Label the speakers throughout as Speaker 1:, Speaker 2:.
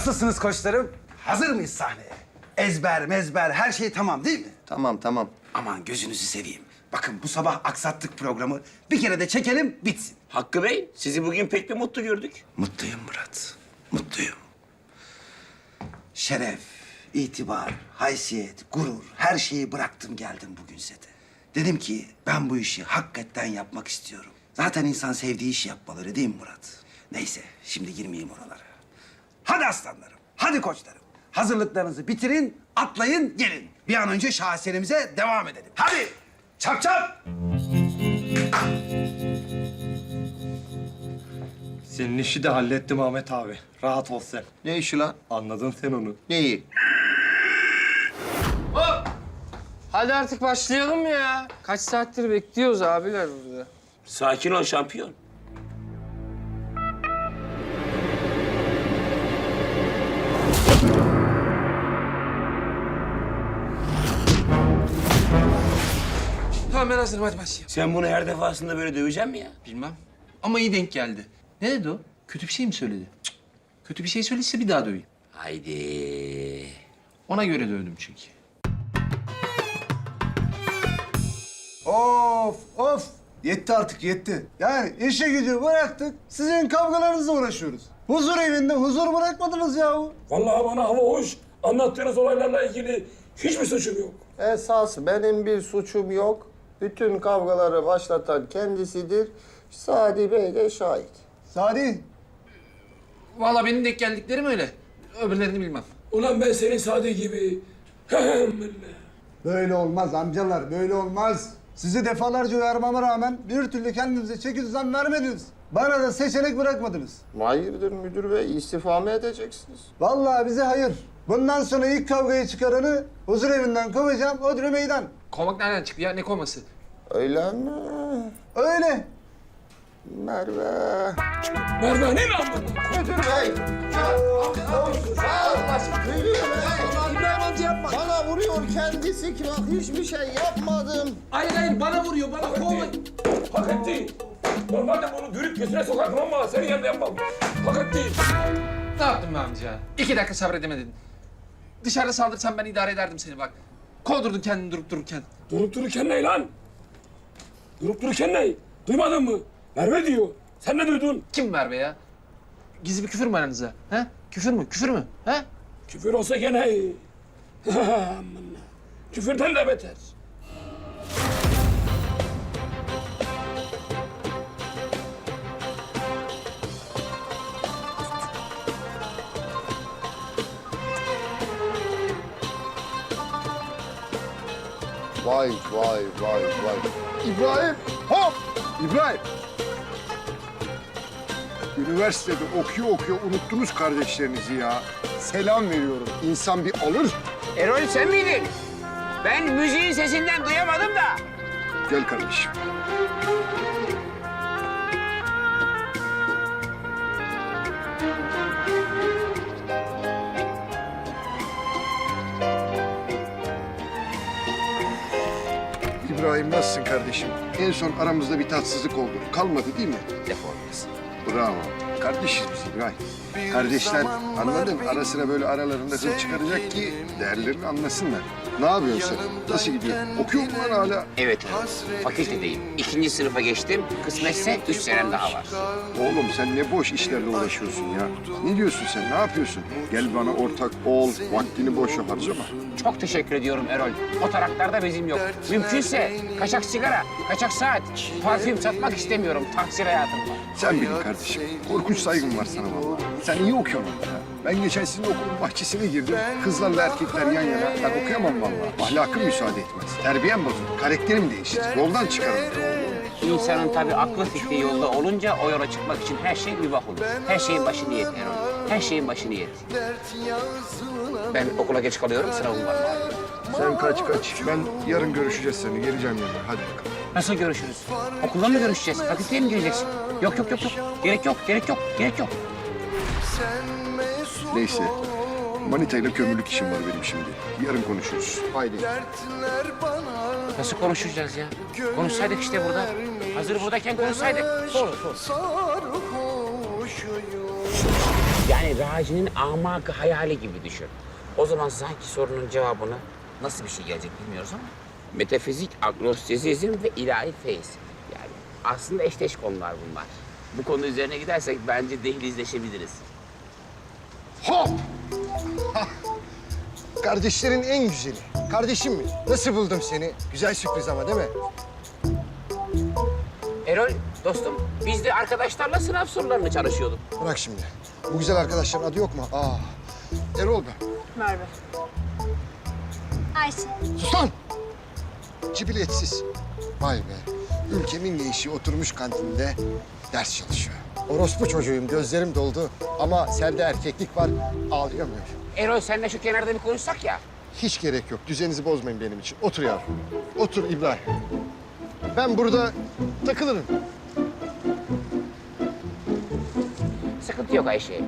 Speaker 1: Nasılsınız koçlarım? Hazır mıyız sahneye? Ezber, mezber, her şey tamam değil mi?
Speaker 2: Tamam, tamam.
Speaker 1: Aman gözünüzü seveyim. Bakın bu sabah aksattık programı. Bir kere de çekelim, bitsin.
Speaker 3: Hakkı Bey, sizi bugün pek bir mutlu gördük.
Speaker 1: Mutluyum Murat, mutluyum. Şeref, itibar, haysiyet, gurur, her şeyi bıraktım geldim bugün sete. Dedim ki ben bu işi hakikaten yapmak istiyorum. Zaten insan sevdiği işi yapmalı öyle değil mi Murat? Neyse, şimdi girmeyeyim oralara. Hadi aslanlarım, hadi koçlarım. Hazırlıklarınızı bitirin, atlayın, gelin. Bir an önce şaheserimize devam edelim. Hadi, çap çap!
Speaker 4: Senin işi de hallettim Ahmet abi. Rahat ol sen.
Speaker 2: Ne işi lan?
Speaker 4: Anladın sen onu.
Speaker 2: Neyi?
Speaker 5: Hadi artık başlayalım ya. Kaç saattir bekliyoruz abiler burada.
Speaker 3: Sakin ol şampiyon.
Speaker 5: Tamam ben hazırım hadi başlayalım.
Speaker 3: Sen bunu her defasında böyle döveceksin mi ya?
Speaker 5: Bilmem ama iyi denk geldi. Ne dedi o? Kötü bir şey mi söyledi? Cık. Kötü bir şey söylediyse bir daha döveyim.
Speaker 3: Haydi.
Speaker 5: Ona göre dövdüm çünkü.
Speaker 6: Of of. Yetti artık yetti. Yani işe gücü bıraktık. Sizin kavgalarınızla uğraşıyoruz. Huzur evinde huzur bırakmadınız yahu.
Speaker 7: Vallahi bana hava hoş. Anlattığınız olaylarla ilgili hiçbir suçum yok.
Speaker 2: Esas benim bir suçum yok. Bütün kavgaları başlatan kendisidir. Sadi Bey de şahit.
Speaker 6: Sadi.
Speaker 5: Vallahi benim denk geldiklerim öyle. Öbürlerini bilmem.
Speaker 7: Ulan ben senin Sadi gibi.
Speaker 6: Böyle olmaz amcalar böyle olmaz. Sizi defalarca uyarmama rağmen bir türlü kendinize çeki düzen vermediniz. Bana da seçenek bırakmadınız.
Speaker 2: Hayırdır müdür bey? İstifa mı edeceksiniz?
Speaker 6: Vallahi bize hayır. Bundan sonra ilk kavgayı çıkaranı huzur evinden kovacağım, Odri meydan.
Speaker 5: Kovmak nereden çıktı ya? Ne kovması?
Speaker 2: Öyle mi?
Speaker 6: Öyle.
Speaker 2: Merve.
Speaker 7: Merve ne lan bu?
Speaker 2: Müdür bey. İbrahim amca yapma. Bana vuruyor kendisi ki bak hiçbir şey yapmadım.
Speaker 5: Hayır bana vuruyor bana kovmayın.
Speaker 7: Hak etti. Normalde bunu dürüp gözüne sokardım ama senin yanında yapmam. Hak etti.
Speaker 5: Ne yaptın be amca? 2 dakika sabredemedin. Dışarıda saldırsam ben idare ederdim seni bak. Kovdurdun kendini durup dururken.
Speaker 7: Durup dururken ne lan? Durup dururken ne? Duymadın mı? Merve diyor. Sen ne duydun?
Speaker 5: Kim Merve ya? Gizli bir küfür mü aranızda? He? Küfür mü? Küfür mü? He?
Speaker 7: Küfür olsa gene iyi. Aman. Küfürden de beter.
Speaker 2: Vay vay vay vay. İbrahim hop!
Speaker 8: İbrahim. Üniversitede okuyor unuttunuz kardeşlerinizi ya. Selam veriyorum. İnsan bir alır.
Speaker 3: Erol sen miydin? Ben müziğin sesinden duyamadım da.
Speaker 8: Gel kardeşim. İbrahim nasılsın kardeşim? En son aramızda bir tatsızlık oldu. Kalmadı değil mi?
Speaker 3: Defolmasın.
Speaker 8: Bravo. Kardeşiz biz İbrahim. Kardeşler anladın ara sıra böyle aralarında hır çıkaracak ki değerlerini anlasınlar. Ne yapıyorsun sen? Nasıl gidiyor? Okuyor musun lan hala?
Speaker 3: Evet Erol. Fakültedeyim. 2. sınıfa geçtim. Kısmetse 3 senem daha var.
Speaker 8: Oğlum sen ne boş işlerle uğraşıyorsun ya. Ne diyorsun sen? Ne yapıyorsun? Gel bana ortak ol. Vaktini boşa harcama.
Speaker 3: Çok teşekkür ediyorum Erol. O taraklarda bezim yok. Mümkünse kaçak sigara, kaçak saat, parfüm satmak istemiyorum. Tahsil hayatım var.
Speaker 8: Sen bilin kardeşim. Korkunç saygım var sana vallahi. Sen iyi okuyorsun ya. Ben geçen sizin okulun bahçesine girdim. Kızlarla erkekler yan yana. Ben okuyamam vallahi. Ahlakım müsaade etmez. Terbiyem bozulur. Karakterim değişir. Yoldan çıkarım.
Speaker 3: İnsanın tabii aklı fikri yolda olunca o yola çıkmak için her şey mübah olur. Her şeyin başı niyet Erol. Her şeyin başı niyet. Ben okula geç kalıyorum, sınavım var.
Speaker 8: Sen kaç. Ben yarın görüşeceğiz seni. Geleceğim yanına. Hadi bakalım.
Speaker 3: Nasıl görüşürüz? Okulda mı görüşeceğiz? Fakülteye mi gireceksin? Yok. Gerek yok.
Speaker 8: Neyse. Manitayla kömürlük işim var benim şimdi. Yarın konuşuruz. Haydi.
Speaker 3: Nasıl konuşacağız ya? Konuşsaydık işte burada. Hazır buradayken konuşsaydık. Sor. Yani Raci'nin amakı hayali gibi düşün. O zaman sanki sorunun cevabını nasıl bir şey gelecek bilmiyoruz ama. Metafizik, agnostizizm ve ilahi feyiz. Yani aslında eşdeş konular bunlar. Bu konu üzerine gidersek bence dehlizleşebiliriz.
Speaker 8: Hop! Hah! Kardeşlerin en güzeli. Kardeşim mi? Nasıl buldum seni? Güzel sürpriz ama değil mi?
Speaker 3: Erol, dostum, biz de arkadaşlarla sınav sorularını çalışıyorduk.
Speaker 8: Bırak şimdi. Bu güzel arkadaşların adı yok mu? Erol ben.
Speaker 9: Merve. Ayşe.
Speaker 8: Sus lan! Cibiletsiz. Vay be. Ülkemin gençliği oturmuş kantinde ders çalışıyor. Orospu çocuğuyum, gözlerim doldu. Ama sende erkeklik var, ağlayamıyorum.
Speaker 3: Erol, seninle şu kenarda bir konuşsak ya.
Speaker 8: Hiç gerek yok. Düzeninizi bozmayın benim için. Otur yavrum. Otur İbrahim. Ben burada takılırım.
Speaker 3: Sıkıntı yok Ayşe.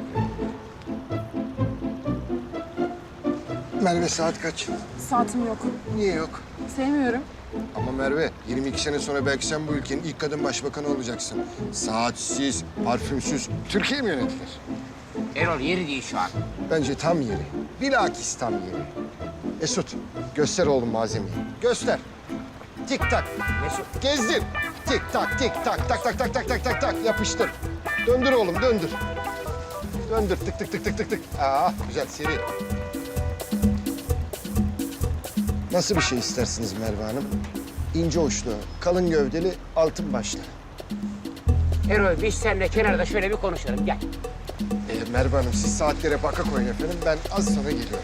Speaker 8: Merve saat kaç?
Speaker 9: Saatim yok.
Speaker 8: Niye yok?
Speaker 9: Sevmiyorum.
Speaker 8: Ama Merve, 22 sene sonra belki sen bu ülkenin ilk kadın başbakanı olacaksın. Saatsiz, parfümsüz Türkiye mi yönetilir?
Speaker 3: Erol, yeri değil şu an.
Speaker 8: Bence tam yeri. Bilakis tam yeri. Esut, göster oğlum malzemeyi. Göster. Tik tak.
Speaker 3: Mesut,
Speaker 8: Gezdir. Tik tak, tik tak, tak tak tak tak tak tak tak. Yapıştır. Döndür oğlum, döndür. Döndür, tık tık tık tık tık tık. Güzel, seri. Nasıl bir şey istersiniz Merve Hanım? İnce uçlu, kalın gövdeli, altın başlı.
Speaker 3: Erol, biz seninle kenarda şöyle bir konuşalım. Gel.
Speaker 8: Merve Hanım, siz saatlere baka koyun efendim. Ben az sonra geliyorum.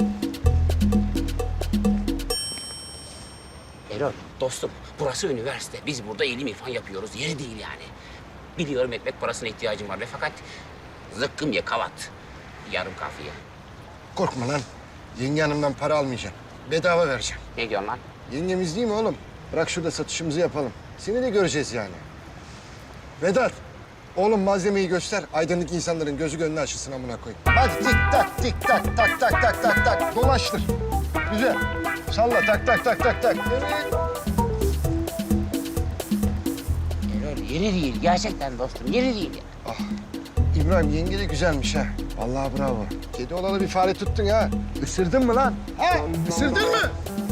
Speaker 3: Erol, dostum, burası üniversite. Biz burada ilim irfan yapıyoruz. Yeri değil yani. Biliyorum ekmek parasına ihtiyacım var ve fakat zıkkım ye kavat. Yarım kafiye.
Speaker 8: Korkma lan. Yenge hanımdan para almayacağım. Bedava vereceğim.
Speaker 3: Ne diyorsun lan?
Speaker 8: Yengemiz değil mi oğlum? Bırak şurada satışımızı yapalım. Seni de göreceğiz yani. Vedat, oğlum malzemeyi göster. Aydınlık insanların gözü gönlü açılsın amına koyayım. Hadi tik tak, tik tak, tak tak tak tak tak. Dolaştır. Güzel. Salla tak tak tak tak tak. Evet.
Speaker 3: Erol, yeri değil. Gerçekten dostum, yeri değil.
Speaker 8: İbrahim yenge de güzelmiş ha. Vallahi bravo. Kedi olalı bir fare tuttun ha. Isırdın mı lan? Ha? Isırdın mı?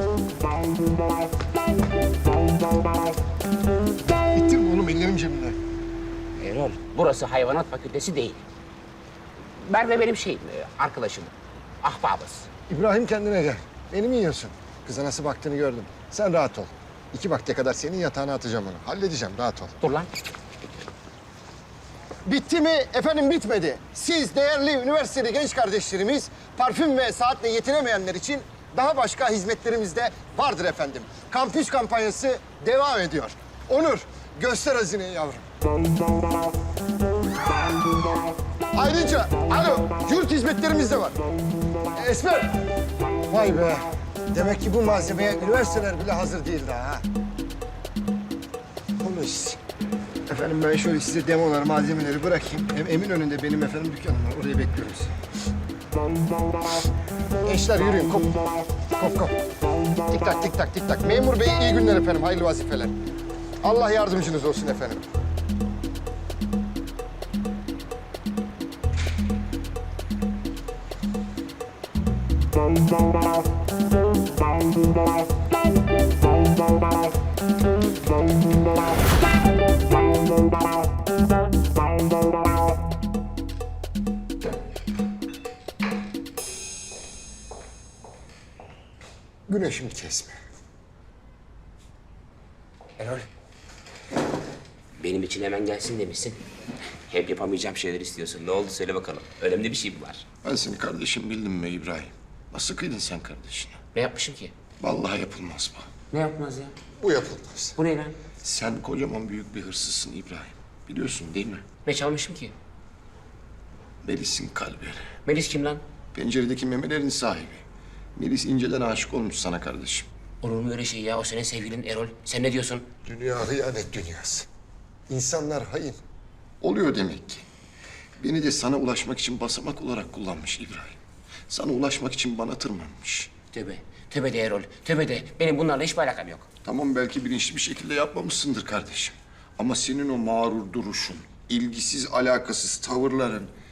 Speaker 8: Bittin mi oğlum? Ellerim cebimde.
Speaker 3: Erol, burası hayvanat fakültesi değil. Merve benim arkadaşım. Ahbabız.
Speaker 8: İbrahim kendine gel. Beni mi yiyorsun? Kıza nasıl baktığını gördüm. Sen rahat ol. 2 vakte kadar senin yatağına atacağım onu. Halledeceğim, rahat ol.
Speaker 3: Dur lan.
Speaker 8: Bitti mi? Efendim bitmedi. Siz değerli üniversiteli genç kardeşlerimiz parfüm ve saatle yetinemeyenler için daha başka hizmetlerimiz de vardır efendim. Kampüs kampanyası devam ediyor. Onur, göster hazineyi yavrum. Ayrıca, yurt hizmetlerimiz de var. Esmer. Vay be. Demek ki bu malzemeye üniversiteler bile hazır değil daha ha. Polis. Efendim ben şöyle size demolar, malzemeleri bırakayım. Hem Eminönü'nde benim efendim dükkanım var. Oraya bekliyorum sizi. Gençler yürüyün. Kop. Kop kop. Tik tak tik tak tik tak. Memur bey iyi günler efendim. Hayırlı vazifeler. Allah yardımcınız olsun efendim. Güneşimi kesme.
Speaker 3: Erol, benim için hemen gelsin demişsin. Hep yapamayacağım şeyler istiyorsun. Ne oldu söyle bakalım. Önemli bir şey mi var?
Speaker 1: Ben seni kardeşim bildim mi İbrahim? Nasıl kıydın sen kardeşine?
Speaker 3: Ne yapmışım ki?
Speaker 1: Vallahi yapılmaz bu.
Speaker 3: Ne yapmaz ya?
Speaker 8: Bu yapılmaz.
Speaker 3: Bu ne lan?
Speaker 1: Sen kocaman büyük bir hırsızsın İbrahim. Biliyorsun değil mi?
Speaker 3: Ne çalmışım ki?
Speaker 1: Melis'in kalbi.
Speaker 3: Melis kim lan?
Speaker 1: Penceredeki memelerin sahibi. Melis inceden aşık olmuş sana kardeşim.
Speaker 3: Olur mu öyle şey ya? O senin sevgilin Erol. Sen ne diyorsun?
Speaker 8: Dünya hıyanet dünyası. İnsanlar hain.
Speaker 1: Oluyor demek ki. Beni de sana ulaşmak için basamak olarak kullanmış İbrahim. Sana ulaşmak için bana tırmanmış.
Speaker 3: Tövbe. Tövbe de Erol. Tövbe de. Benim bunlarla hiçbir alakam yok.
Speaker 1: Tamam belki bilinçli bir şekilde yapmamışsındır kardeşim. Ama senin o mağrur duruşun, ilgisiz alakasız tavırların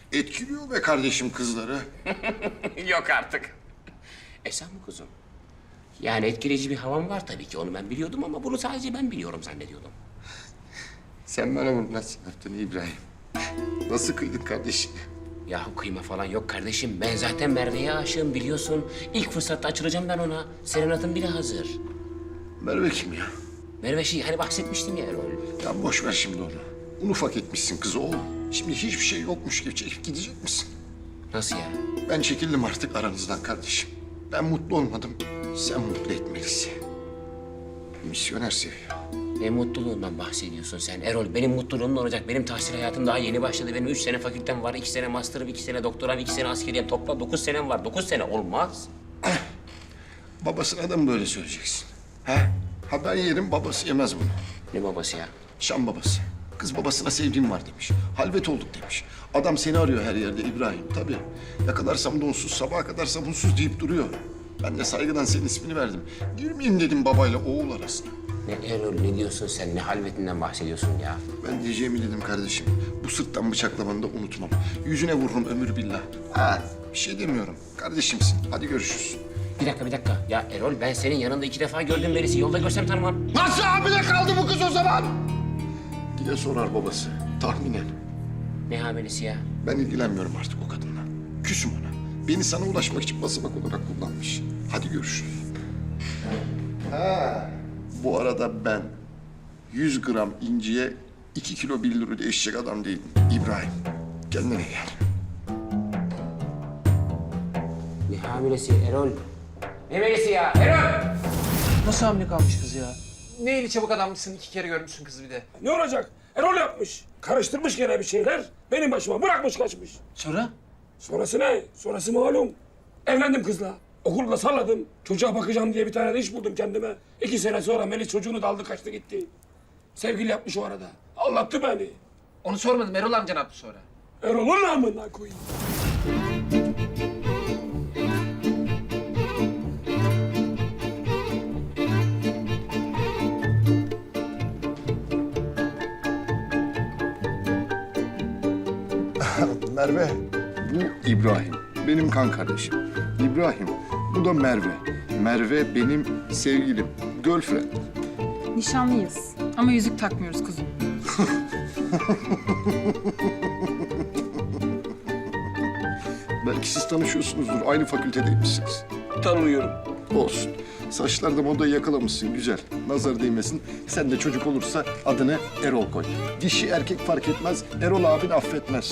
Speaker 8: Etkiliyor be kardeşim kızları.
Speaker 3: Yok artık. Sen mi kuzum? Yani etkileyici bir havan var tabii ki, onu ben biliyordum ama bunu sadece ben biliyorum zannediyordum.
Speaker 8: Sen bana bunu nasıl yaptın İbrahim? Nasıl kıydın kardeşim?
Speaker 3: Yahu kıyma falan yok kardeşim. Ben zaten Merve'ye aşığım biliyorsun. İlk fırsatta açılacağım ben ona. Serenat'ın bile hazır.
Speaker 8: Merve kim ya?
Speaker 3: Merve hani bahsetmiştim ya Erol.
Speaker 8: Ya boş ver şimdi onu. Un ufak etmişsin kızı oğlum. Şimdi hiçbir şey yokmuş gibi çekip gidecek misin?
Speaker 3: Nasıl ya?
Speaker 8: Ben çekildim artık aranızdan kardeşim. Ben mutlu olmadım. Sen mutlu etmelisin. Misyoner seviyor.
Speaker 3: Ne mutluluğundan bahsediyorsun sen Erol? Benim mutluluğum ne olacak? Benim tahsil hayatım daha yeni başladı. Benim 3 sene fakültem var, 2 sene master'ım, 2 sene doktoram, 2 sene askeriyem. Toplam 9 senem var. 9 sene olmaz.
Speaker 8: Babasına da mı böyle söyleyeceksin? He? Ha ben yerim, babası yemez bunu.
Speaker 3: Ne babası ya?
Speaker 8: Şam babası. Kız babasına sevdiğim var demiş. Halvet olduk demiş. Adam seni arıyor her yerde İbrahim. Tabii. Yakalarsam donsuz, sabaha kadar sabunsuz deyip duruyor. Ben de saygıdan senin ismini verdim. Girmeyeyim dedim babayla oğul arasına.
Speaker 3: Ne Erol, ne diyorsun sen? Ne halvetinden bahsediyorsun ya?
Speaker 8: Ben diyeceğimi dedim kardeşim. Bu sırttan bıçaklamanı da unutmam. Yüzüne vururum ömür billah. Ha, bir şey demiyorum. Kardeşimsin. Hadi görüşürüz.
Speaker 3: Bir dakika. Ya Erol, ben senin yanında 2 defa gördüm birisi. Yolda görsem tanımam.
Speaker 8: Nasıl hamile kaldı bu kız o zaman? Diye sorar babası. Tahminen.
Speaker 3: Ne hamilesi ya?
Speaker 8: Ben ilgilenmiyorum artık o kadınla. Küsüm ona. Beni sana ulaşmak için basamak olarak kullanmış. Hadi görüşürüz. Ha. Bu arada ben 100 gram inciye 2 kilo 1 lira değişecek adam değilim. İbrahim, kendine gel.
Speaker 3: Ne hamilesi Erol? Ne hamilesi ya Erol?
Speaker 5: Nasıl hamile kalmış kız ya? Ne eli çabuk adammışsın, 2 kere görmüşsün kızı bir de.
Speaker 7: Ne olacak? Erol yapmış. Karıştırmış gene bir şeyler. Benim başıma bırakmış kaçmış.
Speaker 5: Sonra?
Speaker 7: Sonrası ne? Sonrası malum. Evlendim kızla. Okulda salladım. Çocuğa bakacağım diye bir tane de iş buldum kendime. 2 sene sonra Melis çocuğunu da aldı kaçtı gitti. Sevgili yapmış o arada. Anlattı beni.
Speaker 5: Onu sormadım, Erol amca ne yaptı sonra?
Speaker 7: Erol'un namına koyayım.
Speaker 8: Merve, bu İbrahim. Benim kan kardeşim. İbrahim, bu da Merve. Merve benim sevgilim, girlfriend.
Speaker 9: Nişanlıyız ama yüzük takmıyoruz kuzum.
Speaker 8: Belki siz tanışıyorsunuzdur, aynı fakültedeymişsiniz.
Speaker 7: Tanıyorum.
Speaker 8: Olsun. Saçlarda modayı yakalamışsın, güzel. Nazar değmesin. Sen de çocuk olursa adını Erol koy. Dişi erkek fark etmez, Erol abin affetmez.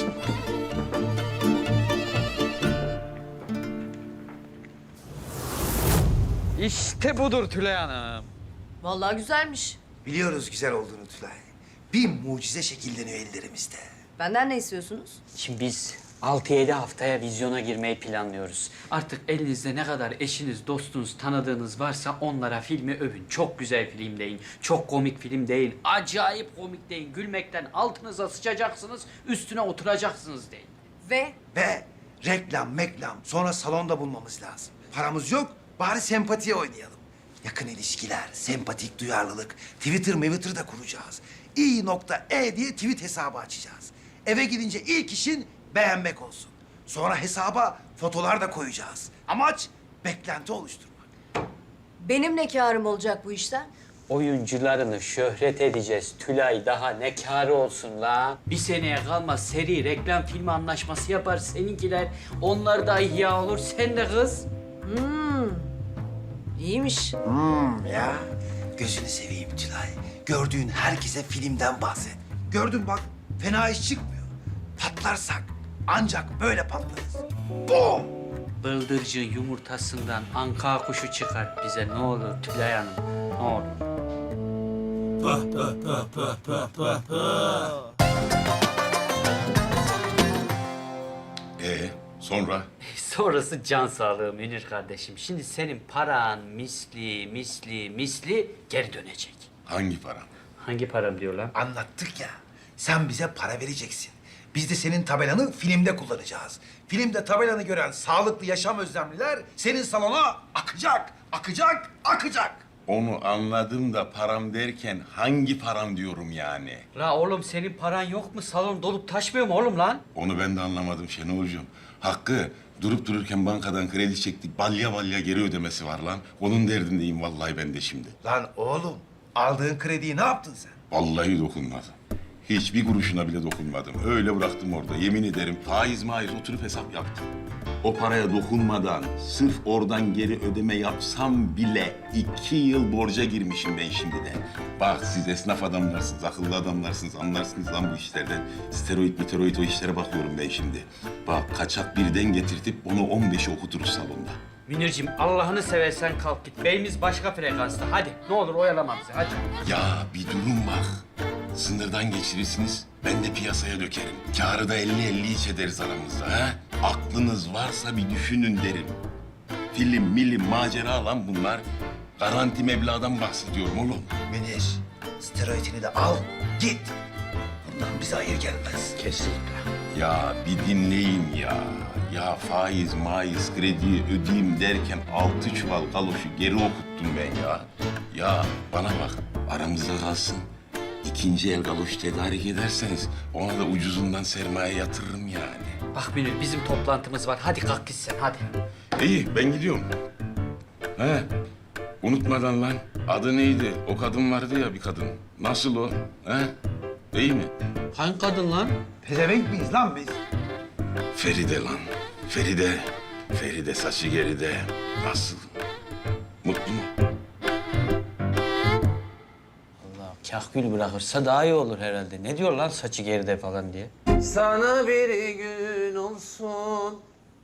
Speaker 10: İşte budur Tülay Hanım.
Speaker 11: Vallahi güzelmiş.
Speaker 1: Biliyoruz güzel olduğunu Tülay. Bir mucize şekilleniyor ellerimizde.
Speaker 11: Benden ne istiyorsunuz?
Speaker 10: Şimdi biz 6-7 haftaya vizyona girmeyi planlıyoruz. Artık elinizde ne kadar eşiniz, dostunuz, tanıdığınız varsa onlara filmi övün. Çok güzel film deyin, çok komik film deyin, acayip komik deyin. Gülmekten altınıza sıçacaksınız, üstüne oturacaksınız deyin.
Speaker 1: Ve reklam, sonra salonda bulmamız lazım. Paramız yok, bari sempatiye oynayalım. Yakın ilişkiler, sempatik duyarlılık, Twitter da kuracağız. i.e diye tweet hesabı açacağız. Eve gidince ilk işin beğenmek olsun. Sonra hesaba fotolar da koyacağız. Amaç beklenti oluşturmak.
Speaker 11: Benim ne kârım olacak bu işten?
Speaker 10: Oyuncularını şöhret edeceğiz. Tülay daha ne kârı olsun la? Bir seneye kalmaz seri reklam filmi anlaşması yapar seninkiler. Onlar da ihya olur, sen de kız.
Speaker 11: İyiymiş.
Speaker 1: Ya gözünü seveyim Tülay. Gördüğün herkese filmden bahset. Gördün bak, fena iş çıkmıyor. Patlarsak ancak böyle patlarız. Bum!
Speaker 10: Bıldırcın yumurtasından anka kuşu çıkar bize ne olur Tülay Hanım, ne olur.
Speaker 8: Sonra?
Speaker 10: Sonrası can sağlığı Münir kardeşim. Şimdi senin paran misli geri dönecek.
Speaker 8: Hangi para?
Speaker 10: Hangi param diyor lan?
Speaker 1: Anlattık ya. Sen bize para vereceksin. Biz de senin tabelanı filmde kullanacağız. Filmde tabelanı gören sağlıklı yaşam özlemliler senin salona akacak.
Speaker 12: Onu anladım da param derken hangi param diyorum yani?
Speaker 10: La oğlum senin paran yok mu? Salon dolup taşmıyor mu oğlum lan?
Speaker 12: Onu ben de anlamadım Şenolcuğum. Hakkı durup dururken bankadan kredi çektik. Balya balya geri ödemesi var lan. Onun derdindeyim vallahi ben de şimdi.
Speaker 1: Lan oğlum, aldığın krediyi ne yaptın sen?
Speaker 12: Vallahi dokunmadım. Hiçbir kuruşuna bile dokunmadım. Öyle bıraktım orada. Yemin ederim faiz maiz oturup hesap yaptım. O paraya dokunmadan sırf oradan geri ödeme yapsam bile 2 yıl borca girmişim ben şimdiden. Bak siz esnaf adamlarsınız, akıllı adamlarsınız, anlarsınız lan bu işlerden. Steroid o işlere bakıyorum ben şimdi. Bak kaçak birden getirtip onu 15'e okuturuz salonda.
Speaker 10: Münir'cim Allah'ını seversen kalk git. Beyimiz başka frekansta. Hadi ne olur oyalama bizi hadi.
Speaker 12: Ya bir durun bak. Sınırdan geçirirsiniz, ben de piyasaya dökerim. Kârı da 50-50 iç ederiz aramızda ha. Aklınız varsa bir düşünün derim. Film, milim, macera lan bunlar. Garanti meblağdan bahsediyorum oğlum.
Speaker 1: Münir, steroidini de al, git. Bundan bize hayır gelmez.
Speaker 3: Kesinlikle.
Speaker 12: Ya bir dinleyin ya. Ya faiz, maiz, krediyi ödeyeyim derken 6 çuval galoşu geri okuttum ben ya. Ya bana bak, aramızda kalsın. İkinci el galoş tedarik ederseniz ona da ucuzundan sermaye yatırırım yani.
Speaker 10: Bak Münir bizim toplantımız var. Hadi kalk git sen hadi.
Speaker 12: İyi, ben gidiyorum. He, unutmadan lan. Adı neydi? O kadın vardı ya bir kadın. Nasıl o? He? İyi mi?
Speaker 10: Hangi kadın lan?
Speaker 1: Pezevenk miyiz lan biz?
Speaker 12: Feride lan. Feride. Feride saçı geride. Nasıl? Mutlu mu?
Speaker 10: Allah kahkül bırakırsa daha iyi olur herhalde. Ne diyor lan saçı geride falan diye.
Speaker 5: Sana bir gün olsun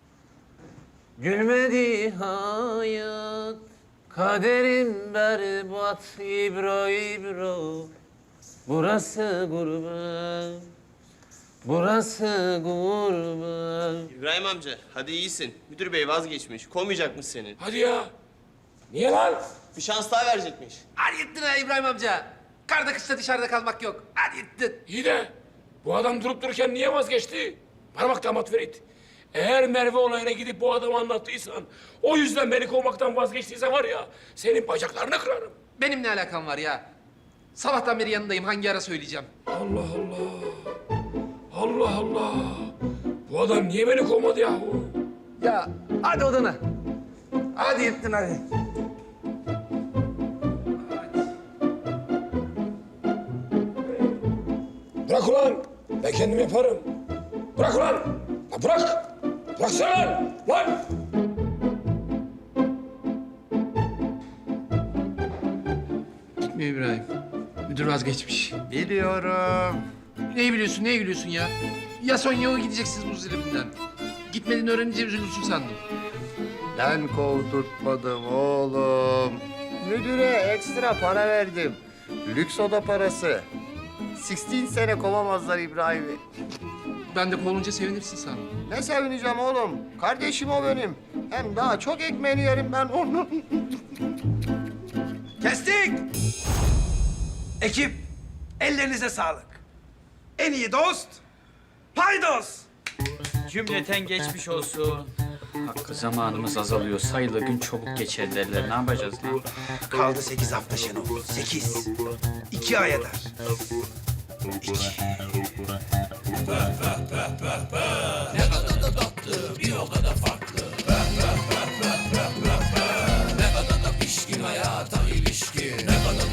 Speaker 5: gülmedi hayat. Kaderim berbat İbro İbro. Burası gurbet. Burası gurbet.
Speaker 13: İbrahim amca, hadi iyisin. Müdür bey vazgeçmiş. Kovmayacakmış seni.
Speaker 7: Hadi ya. Niye lan?
Speaker 13: Bir şans daha verecekmiş.
Speaker 5: Hadi gittin ha İbrahim amca. Karda kışta dışarıda kalmak yok. Hadi gittin.
Speaker 7: İyi de bu adam durup dururken niye vazgeçti? Bana bak damat Ferit. Eğer Merve olayına gidip bu adamı anlattıysan, o yüzden beni kovmaktan vazgeçtiyse var ya, senin bacaklarını kırarım.
Speaker 5: Benim ne alakam var ya? Sabahtan beri yanındayım. Hangi ara söyleyeceğim?
Speaker 7: Allah Allah. Allah Allah. Bu adam niye beni kovmadı yahu?
Speaker 5: Ya hadi odana. Hadi gittin hadi.
Speaker 7: Bırak ulan. Ben kendim yaparım. Bırak ulan. Lan bırak. Bıraksana lan. Lan.
Speaker 5: Gitmiyor İbrahim. Müdür vazgeçmiş.
Speaker 2: Biliyorum.
Speaker 5: Neyi biliyorsun, neye gülüyorsun ya? Ya son ya o gideceksiniz bu zilibinden. Gitmediğini öğrenince üzülürsün sandım.
Speaker 2: Ben kovdurtmadım oğlum. Müdüre ekstra para verdim. Lüks oda parası. 16 sene kovamazlar İbrahim'i.
Speaker 5: Ben de kovulunca sevinirsin sandım.
Speaker 2: Ne sevineceğim oğlum? Kardeşim o benim. Hem daha çok ekmeğini yerim ben onun.
Speaker 1: Kestik! Ekip, ellerinize sağlık. En iyi dost, paydos.
Speaker 10: Cümleten geçmiş olsun. Hakkı zamanımız azalıyor. Sayılı gün çabuk geçer derler. Ne yapacağız lan?
Speaker 1: Kaldı 8 hafta Şenol. 8. 2 ay eder. 2.
Speaker 7: Ne kadar da tatlı, bir o kadar farklı. Ne kadar da pişkin hayata ilişkin. Ne kadar